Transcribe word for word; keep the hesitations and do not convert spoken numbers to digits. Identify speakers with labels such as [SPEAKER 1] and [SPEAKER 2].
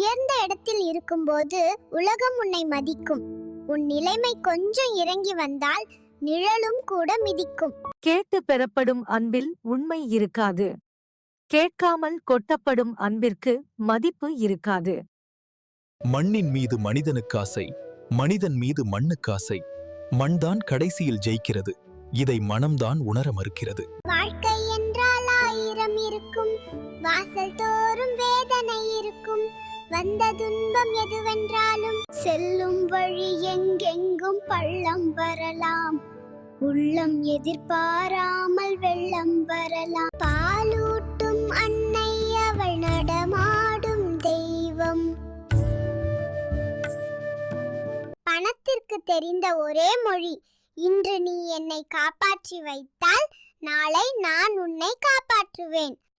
[SPEAKER 1] உயர்ந்த இடத்தில் இருக்கும்போது உலகம் உன்னை மதிக்கும். உன் நிலைமை கொஞ்சம் இறங்கி வந்தால் நிழலும் கூட மிதிக்கும்.
[SPEAKER 2] கேட்டு பெறப்படும் அன்பில் உண்மை இருக்காது. கேட்காமல் கொட்டப்படும் அன்பிற்கு மதிப்பு இருக்காது.
[SPEAKER 3] மண்ணின் மீது மனிதனுக்காசை, மனிதன் மீது மண்ணுக்காசை. மண்தான் கடைசியில் ஜெயிக்கிறது. இதை மனம்தான் உணர மறுக்கிறது.
[SPEAKER 1] வாழ்க்கை என்றால் ஆயிரம் இருக்கும், வாசல் தோறும் வேதனை இருக்கும். வந்த துன்பம் எதுவென்றாலும் செல்லும் வழி எங்கெங்கும் பள்ளம் வரலாம். உள்ளம் எதிர்பாராமல் வெள்ளம் வரலாம். பாலூட்டும் அன்னை அவள் நடமாடும் தெய்வம். பணத்திற்கு தெரிந்த ஒரே மொழி, இன்று நீ என்னை காப்பாற்றி வைத்தால் நாளை நான் உன்னை காப்பாற்றுவேன்.